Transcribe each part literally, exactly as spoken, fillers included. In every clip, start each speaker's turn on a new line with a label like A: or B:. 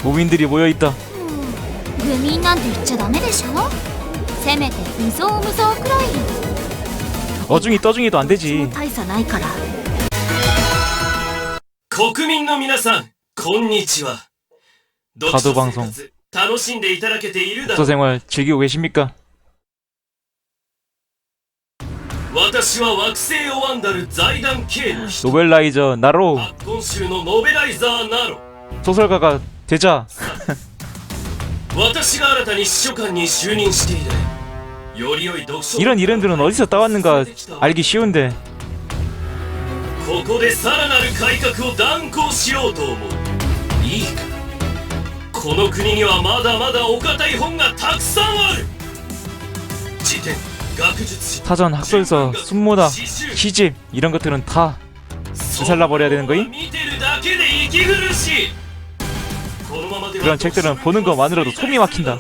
A: 도민들이 모여있다.
B: 愚民なんて言っちゃダメでしょ。せめて無造無造くらい。
A: 어중이 떠중이도 안되지.
B: 大差ないから。
C: 国民の皆さん、こんにちは。
A: 가도 방송.
C: 楽しんでいただけているだろう。
A: 독서생활 즐기고 계십니까?
C: 私は惑星をワンダル財団系の人。
A: 노벨라이저 나로.
C: 今週のノベライザーナロ。
A: 소설가가 되자.
C: 私が新たに秘書官に就任して以来、より良い読書
A: 이런 이름들은 어디서 따왔는가 알기 쉬운데.
C: ここでさらなる改革を断行しようと思う。いいか、この国にはまだまだお堅い本がたくさんある。辞典、学術書、
A: 사전, 학설서, 순모다, 시집 이런 것들은 다 되살라 버려야 되는 거임?
C: 見てるだけで息苦しい。
A: 그런 책들은 보는 것만으로도 속이 막힌다.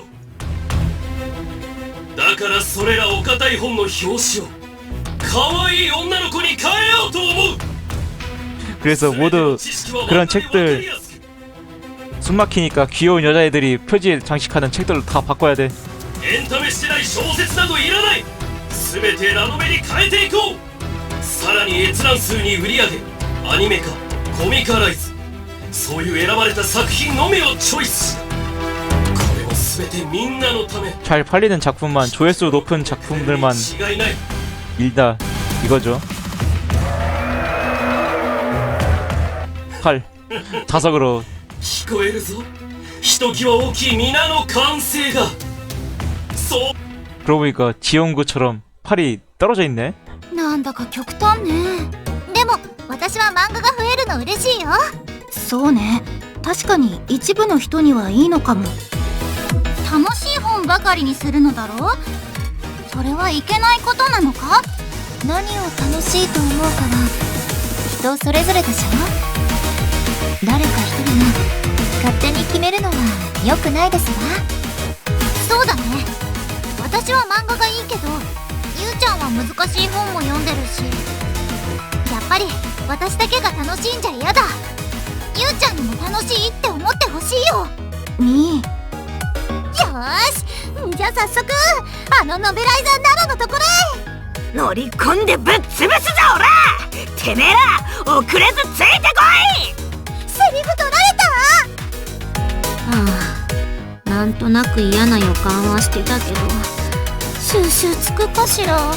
C: だからそれらお堅い本の表紙を可愛い女の子に変えようと思う。
A: 그래서 모두 그런 책들 숨막히니까 귀여운 여자애들이 표지에 장식하는 책들로 다 바꿔야 돼.
C: エンタメしてない小説などいらない。全てラノベに変えていこう。さらに閲覧数に売り上げ、アニメ化、コミカライズ、そういう選ばれた作品のみをチョイス。これも全てみんなのため。
A: 잘 팔리는 작품만, 조회수 높은 작품들만
C: 違いない。
A: 일다 이거죠. 팔 자석으로.
C: 聞こえるぞ。ひときわ大きい皆の歓声が。そう。
A: 그러고 보니까 지용구처럼 팔이 떨어져 있네.
B: なんだか極端ね。でも私は漫画が増えるの嬉しいよ。そうね、確かに一部の人にはいいのかも。楽しい本ばかりにするのだろう。それはいけないことなのか。何を楽しいと思うかは人それぞれでしょ。誰か一人が勝手に決めるのは良くないですわ。そうだね、私は漫画がいいけど、ゆうちゃんは難しい本も読んでるし、やっぱり私だけが楽しいんじゃ嫌だ。ゆうちゃんにも楽しいって思ってほしいよ。みー。よーし、じゃあ早速あのノベライザーナロのところへ乗り込んでぶっ潰すぞ。おらてめえら遅れずついてこい。セリフ取られた。ああ、なんとなく嫌な予感はしてたけど、収集つくかしら。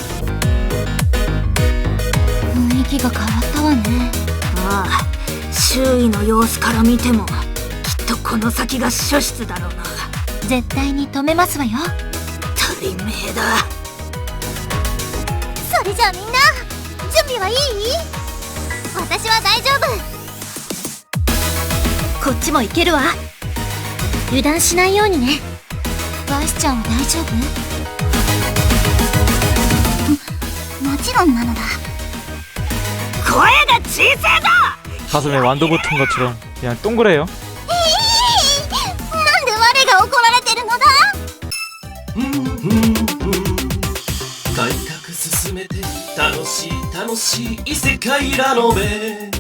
B: 雰囲気が変わったわね。ああ、周囲の様子から見てもきっとこの先が主室だろうな。絶対に止めますわよ。当たり前だ。それじゃあみんな準備はいい？私は大丈夫。こっちも行けるわ。油断しないようにね。バイスちゃんは大丈夫？も、もちろんなのだ。声が小さいぞ。
A: 가슴에 완도 붙은 것처럼 그냥 동그래요.
B: なんで我が怒られてるのだ。
C: 改革進めて楽しい楽しい異世界ラノベ。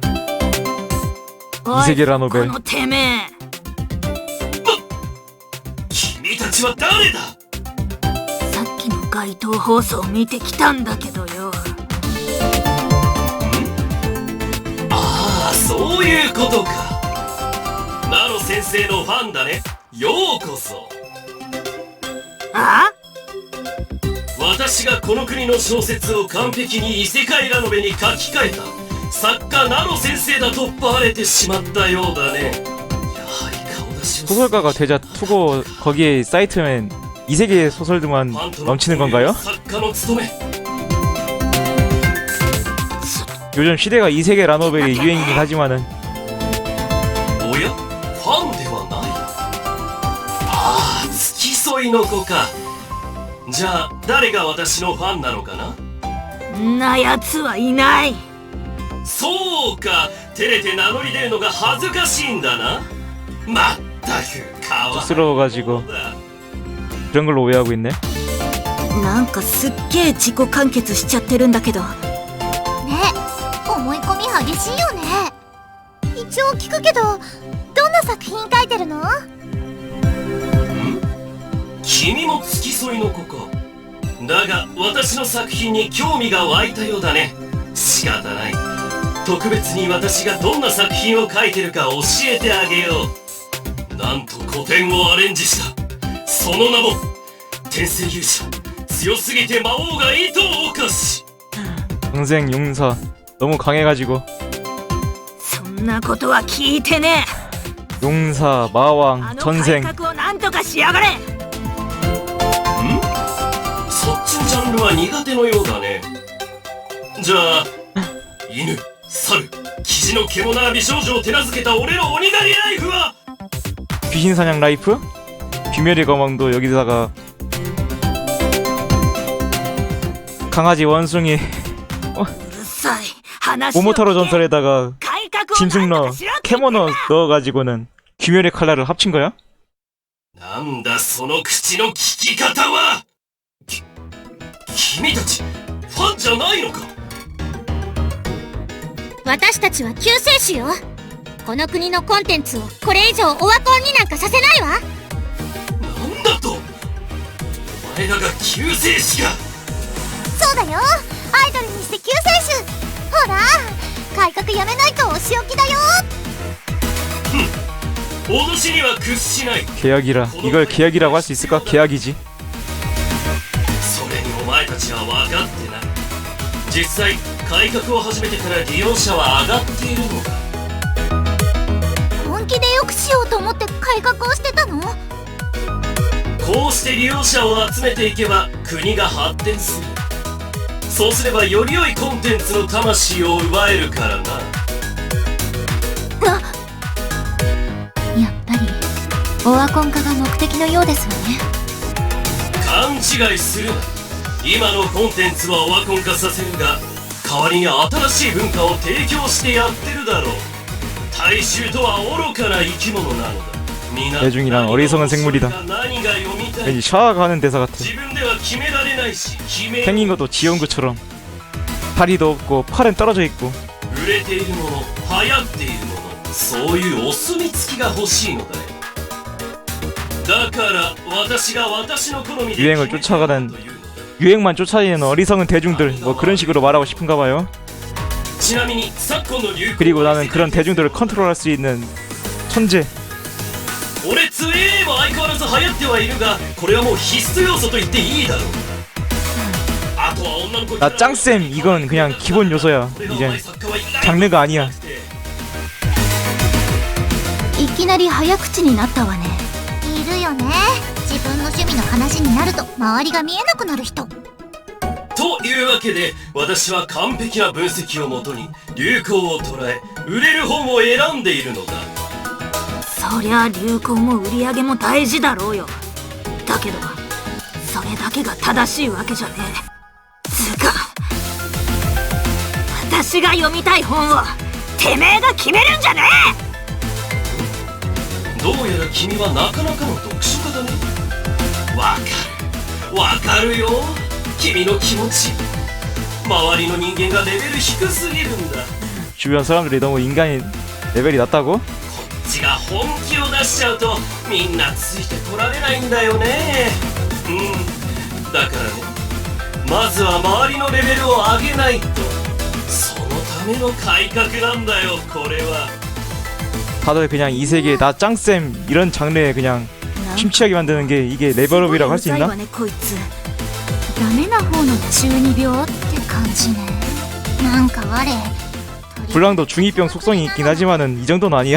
A: 이세계 라노벨.
B: このてめえ。
C: 君たちは誰だ。
B: さっきの街頭放送を見てきたんだけどよ。
C: ああ、そういうことか。ナロ先生のファンだね。ようこそ。
B: あ？
C: 私がこの国の小説を完璧に異世界ラノベに書き換えた作家ナロ先生だとバレてしまったようだね。やはり顔出しを。
A: 소설가가 되자 투고 거기에 사이트엔 이세계 소설들만 넘치는 건가요?
C: 作家の務め。
A: 요즘 시대가 이세계 라노벨이 유행이긴 하지만은.
C: おや、ファンではない。ああ、付き添いの子か。じゃあ誰が私のファンなのかな。
B: んなやつはいない。
C: そうか、照れて名乗り出るのが恥ずかしいんだな。まったくかわいそうだ。
A: 쑥스러워가지고 그런 걸로 오해하고 있네.
B: なんかすっげえ自己完結しちゃってるんだけどね。思い込み激しいよね。い一応聞くけど、どんな作品書いてるの？
C: 君も付き添いの子か。だが私の作品に興味が湧いたようだね。仕方ない。特別に私がどんな作品を書いてるか教えてあげよう。なんと古典をアレンジした。その名も天聖勇者、強すぎて魔王が糸を犯し。
A: 동생 용사 너무 강해가지고
D: そんなことは聞いてねえ。
A: 용사
D: あ
A: 마왕
D: の改
A: 전생
D: 革をなんとかしやがれ。
C: そっちのジャンルは苦手のようだね。じゃあ犬、猿、キジの獣美少女を手なずけた俺の鬼狩りライフは
A: 귀신사냥 라이프? 귀멸의 거망도 여기다가 강아지 원숭이
D: うるさい。話を聞け。
A: 모모타로 전설에다가
D: 改革をなんと
A: 짐승러
D: かしろって言ってんだ。
A: 캐모너 넣어가지고는 귀멸의 칼날을 합친 거야?
C: なんだその口の聞き方は。き君たちファンじゃないのか。
B: 私たちは救世主よ。この国のコンテンツをこれ以上オワコンになんかさせないわ。
C: なんだと。お前らが救世主か。
B: そうだよ、アイドルにして救世主。ほら、改革やめないとお仕置きだよ。
C: 脅しには屈しない。
A: 계약이라 이걸 계약이라고 할 수 있을까? 계약이지.
C: それにお前たちは分かってない。実際改革を始めてから利用者は上がっているのだ。
B: 本気で良くしようと思って改革をしてたの？
C: こうして利用者を集めていけば国が発展する。そうすればより良いコンテンツの魂を奪えるからな。
B: やっぱりオワコン化が目的のようですわね。
C: 勘違いするな。今のコンテンツはオワコン化させるが、代わりに新しい文化を提供してやってるだろう。大衆とは愚かな生き物なのだ。
A: 대중이란 어리석은 생물이다. 왠지 샤아가 하는 대사 같아. 생긴 것도 지온구처럼 다리도 없고 팔은 떨어져 있고. 유행을 쫓아가는 유행만 쫓아다니는 어리석은 대중들, 뭐 그런 식으로 말하고 싶은가 봐요. 그리고 나는 그런 대중들을 컨트롤할 수 있는 천재.
C: 俺ツエーも相変わらず流行ってはいるが、これはもう必須要素と言っていいだろう。あとは女の子。
A: 나 짱쌤 이건 그냥 기본 요소야. 이제 장르가 아니야.
B: いきなり早口になったわね。いるよね、自分の趣味の話になると周りが見えなくなる人。
C: というわけで、私は完璧な分析をもとに流行を捉え、売れる本を選んでいるのだ。
D: そりゃ流行も売り上げも大事だろうよ。だけどそれだけが正しいわけじゃねえ。つうか私が読みたい本をてめえが決めるんじゃね
C: え。どうやら君はなかなかの読書家だね。わかるわかるよ、君の気持ち。周りの人間がレベル低すぎるんだ。
A: 주변 사람들이 너무 인간이 레벨이 낮다고?
C: こっちが本気を出しちゃうとみんなついてこられないんだよね。うんだからね、まずは周りのレベルを上げないと。そのための改革なんだよ、これは。
A: 다들 그냥 이 세계에 나 짱쌤 이런 장르에 그냥 침취하게 만드는 게 이게 레벨업이라고 할 수 있나?
B: ダメな方の中二病って感じね。なんか我
A: 불랑도 중이병 속성이 있긴 하지만은 이 정도는 아니야.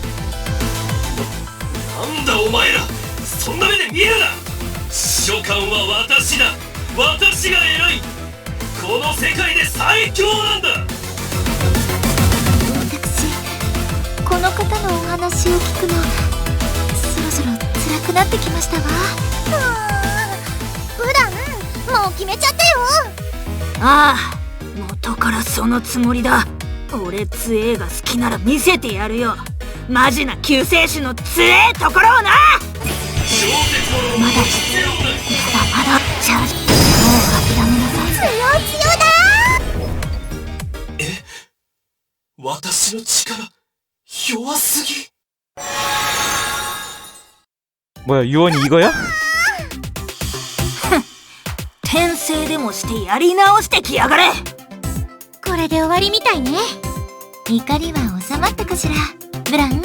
C: なんだお前ら、そんな目で見るな。召喚は私だ。私が偉い。この世界で最強なんだ。
B: 私この方のお話を聞くのそろそろ辛くなってきましたわ。普段もう決めちゃってよ。
D: ああ、元からそのつもりだ。俺つえーが好きなら見せてやるよ。マジな救世主のつえーところをな。まだまだまだチャージ。もう諦めなさい。
B: 強強だ。
C: え、私の力弱すぎ。
A: 뭐야 유언이 이거야?
D: 転生でもしてやり直してきやがれ。
B: これで終わりみたいね。怒りは収まったかしら、ブラン。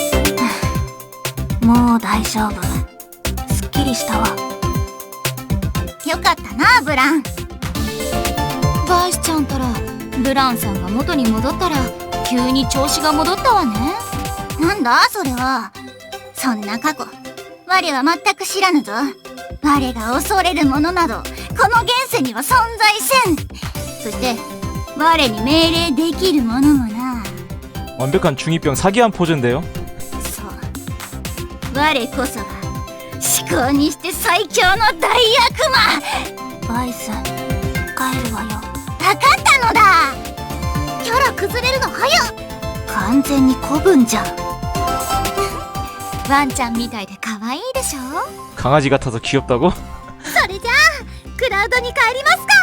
D: もう大丈夫。すっきりしたわ。
B: よかったな、ブラン。バイスちゃんたらブランさんが元に戻ったら急に調子が戻ったわね。なんだそれは。そんな過去我は全く知らぬぞ。我が恐れるものなどこの現世には存在せん。そして我に命令できるものもな。
A: 완벽한 중이병 사기한 포즈인데요.
B: そう、我こそが至高にして最強の大悪魔。
D: バイス、帰るわよ。
B: かかったのだ。キャラ崩れるの早っ。
D: 完全に古文じゃん。
B: ワンちゃんみたいで可愛いでしょ。
A: 강아지 같아서 귀엽다고?
B: それじゃあクラウドに帰りますか。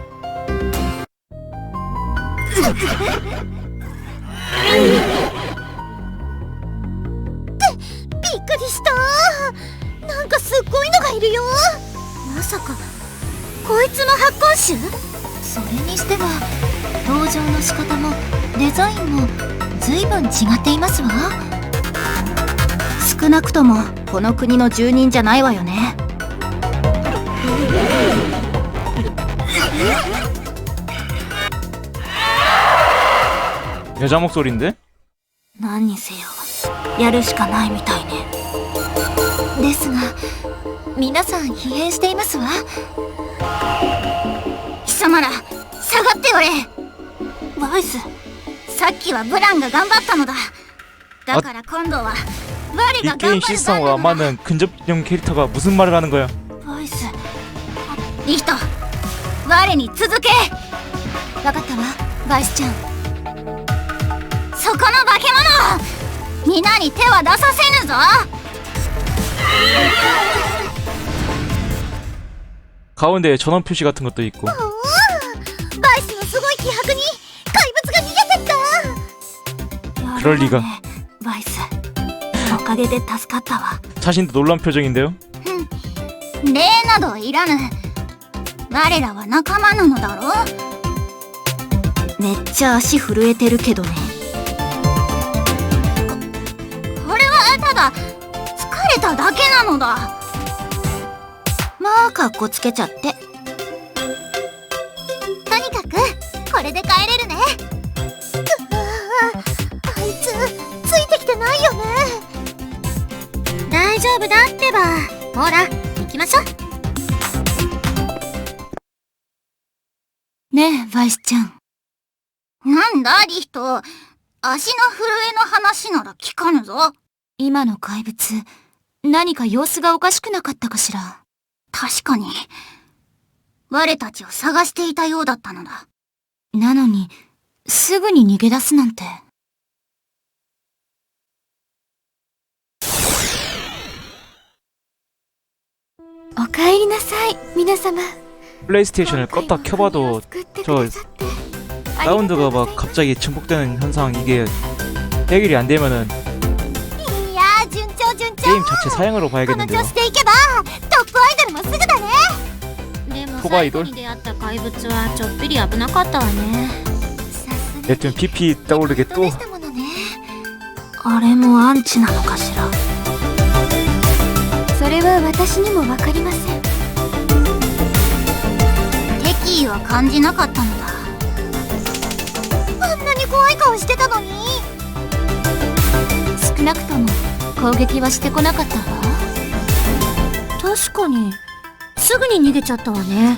B: ってびっくりした。なんかすっごいのがいるよ。まさかこいつも発光種？それにしては登場の仕方もデザインも随分違っていますわ。
D: 少なくともこの国の住人じゃないわよね。
A: 여자 목소리인데?
D: 何にせよやるしかないみたいね。
B: ですが皆さん疲弊していますわ。貴様ら下がっておれ。
D: バイス、
B: さっきはブランが頑張ったのだ。だから今度は我が
A: 이
B: 頑
A: 게임
B: 張る
A: 시스템과
B: 番だ。
A: 맞는 근접형 캐릭터가 무슨 말을 하는 거야?
D: バイス、
B: リヒト、我に続け。わかったわ、バイスちゃん。そこの化け物、皆に手は出させぬぞ。
A: 가운데에 전원 표시 같은 것도 있고.
B: おお、バイスのすごい気迫に怪物が逃げてった。
A: 그럴 리가.
D: バイス、おかげで助かったわ。
A: 자신도 놀란 표정인데요.
B: 礼などいらぬ。我らは仲間なのだろう。
D: めっちゃ足震えてるけどね。
B: これはただ疲れただけなのだ。
D: まあかっこつけちゃって。
B: とにかくこれで帰れるね。うわあ、あいつついてきてないよね。大丈夫だってば。ほら行きましょう。ねえバイスちゃん。なんだリヒト、足の震えの話なら聞かぬぞ。今の怪物何か様子がおかしくなかったかしら。確かに我たちを探していたようだったのだ。なのにすぐに逃げ出すなんて。おかえりなさい皆様。
A: 플레이스테이션을 껐다 켜봐도 저 사운드가 막 갑자기 증폭되는 현상, 이게 해결이 안 되면은
B: いやー順調順調。
A: 게임 자체 사양으로
B: この
A: 봐야겠는데요.
B: 調子でいけばトップアイドルもすぐだね。でも
A: トップアイドル
B: 最後に出会った怪物はちょっぴり危なかったわね。さすが
A: 여튼 피피 떠오르게
B: で
A: 또
B: したものね。
D: あれもアンチなのかしら。
B: それは私にもわかりません。敵意は感じなかったのだ。あんなに怖い顔してたのに。少なくとも攻撃はしてこなかったわ。確かにすぐに逃げちゃったわね。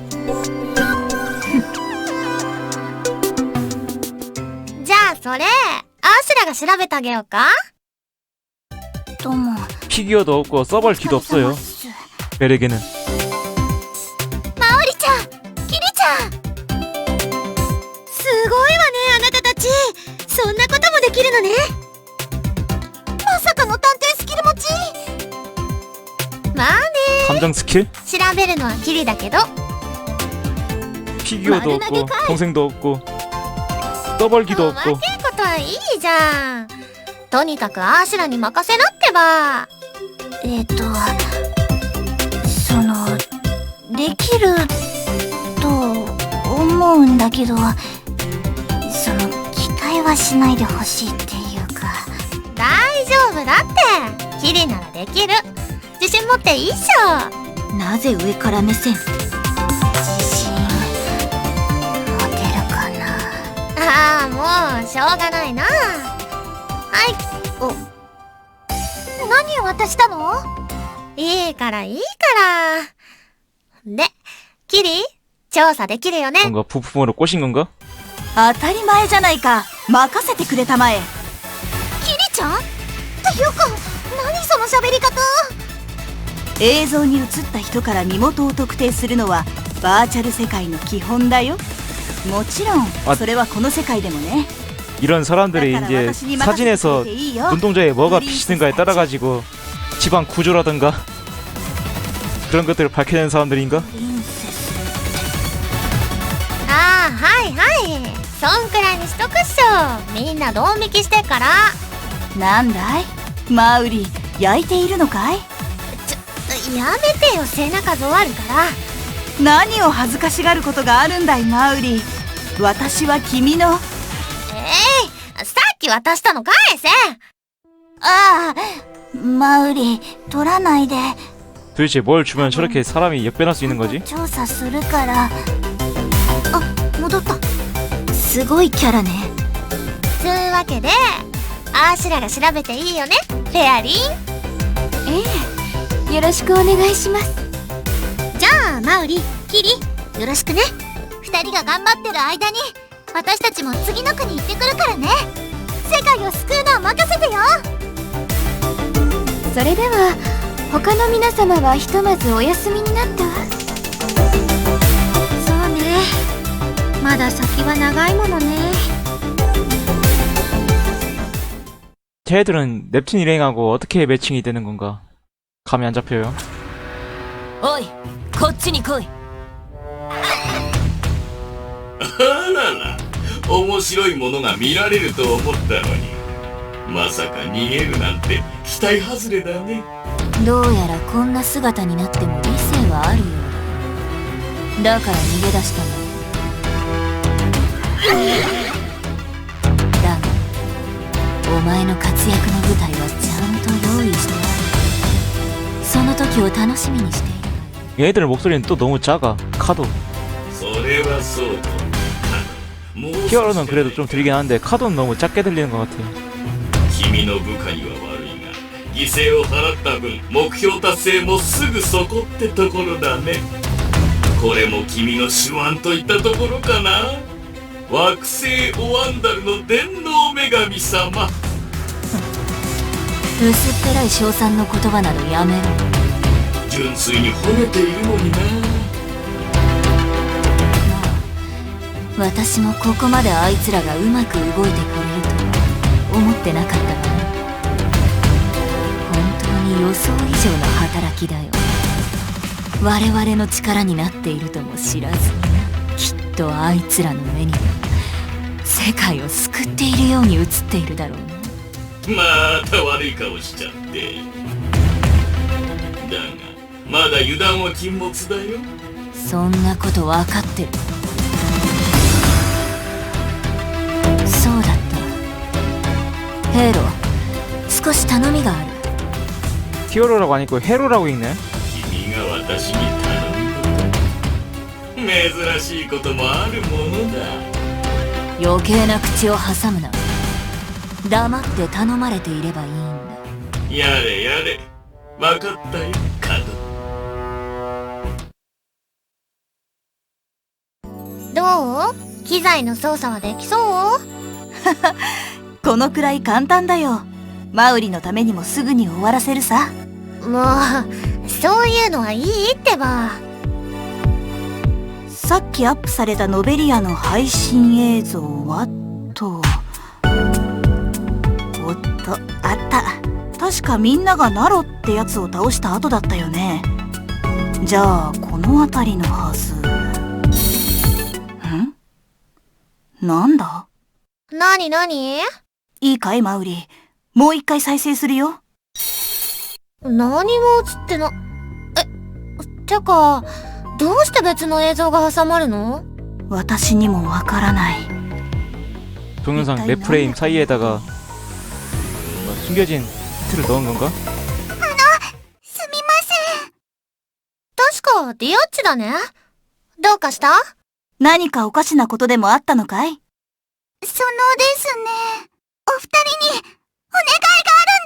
B: じゃあそれアーシュラが調べてあげようか。どうも。
A: 피규어도 없고 서벌기도 없어요. 베르게는.
B: マオリちゃん、キリちゃん。すごいわね、あなたたち。そんなこともできるのね。まさかの探偵スキル持ち。まあね。
A: 감정 스킬?
B: 調べるのはキリだけど。
A: 피규어도
B: 말은 하게
A: 없고
B: 가.
A: 동생도 없고 서벌기도
B: お
A: 없고
B: まけんことはいいじゃん。 とにかくアーシュラに任せなってば。えっとそのできると思うんだけど、その期待はしないでほしいっていうか。大丈夫だってキリならできる。自信持っていいっしょ。
D: なぜ上から目線？
B: 自信持てるかな。ああ、もうしょうがないな。はい。お、何を渡したの？いいからいいから。で、キリ調査できるよね。
A: 뭔가 부품으로 꼬신 건가?
D: 当たり前じゃないか。任せてくれたまえ。
B: キリちゃんっていうか、何その喋り方。
D: 映像に映った人から身元を特定するのはバーチャル世界の基本だよ。もちろん
A: あ
D: それはこの世界でもね。
A: 이런 사람들이 이제 사진에서 눈동자에 뭐가 비치는가에 따라 가지고 집안 구조라든가 그런 것들을 밝혀내는 사람들인가?
B: ああ、はいはい、そんくらいにしとくっしょ。みんなドン引きしてっから。
D: なんだいマウリ、焼いているのかい？
B: ちょ、やめてよ、背中ぞわるから。
D: 何を恥ずかしがることがあるんだいマウリ。私は君の。
B: えい、さっき渡したの返せ。ああ、マウリ取らないで。
A: 도대체 뭘 주면 저렇게 사람이 역변할 수 있는 거지?
B: 調査するから。あ、戻った。すごいキャラね。つうわけでアーシュラが調べていいよね、フェアリン。ええ、よろしくお願いします。じゃあマウリ、キリ、よろしくね。二人が頑張ってる間に私たちも次の国行ってくるからね。世界を救うのは任せてよ。それでは他の皆様はひとまずお休みになったわ。そうね、まだ先は長いものね。
A: 쟤들은 넵튠 일행하고 어떻게 매칭이 되는 건가? 감이 안 잡혀요.
D: おい、こっちに来い。
C: あらら、面白いものが見られると思ったのに、まさか逃げるなんて期待外れだね。
D: どうやらこんな姿になっても理性はあるようだ。だから逃げ出したの。だがお前の活躍の舞台はちゃんと用意してある。その時を楽しみにしている。
A: 얘들 목소리는 또 너무 작아. 카도.
C: それはそうと。
A: 히어로는 그래도 좀 들리긴 하는데 카도는 너무 작게 들리는 것 같아.
C: 君の部下には悪いが、犠牲を払った分目標達成もすぐそこってところだね。これも君の手腕といったところかな。惑星オワンダルの電脳女神様。
D: 薄っぺらい称賛の言葉などやめろ。
C: 純粋に褒めているのにな。
D: まあ私もここまであいつらがうまく動いてくれると思ってなかったがな。本当に予想以上の働きだよ。我々の力になっているとも知らず、きっとあいつらの目には世界を救っているように映っているだろうな。
C: また悪い顔しちゃって。だがまだ油断は禁物だよ。
D: そんなこと分かってる。そうだった。ヘイロ、少し頼みがある。
A: 히어로라고 안 읽고 헤로라고 읽네.
C: 君が私に頼むこと、珍しいこともあるものだ。
D: 余計な口を挟むな。黙って頼まれていればいいんだ。
C: やれやれ、分かったよ、カド。
B: どう？機材の操作はできそう？
D: このくらい簡単だよ。マウリのためにもすぐに終わらせるさ。
B: もうそういうのはいいってば。
D: さっきアップされたノベリアの配信映像はと。おっと、あった。確かみんながナロってやつを倒した後だったよね。じゃあこの辺りのはず。ん？なんだ？
B: なになに？
D: いいかいマウリ。 もう一回再生するよ。
B: 何も映ってな、え、てか、どうして別の映像が挟まるの？
D: 私にもわからない。
A: 동영상 랩 프레임 사이에다가 뭐 숨겨진 힌트를 넣은 건가?
B: すみません。確か、ディオッチだね。どうかした？
D: 何かおかしなことでもあったのかい？
B: そのですね、お二人にお願いがあるん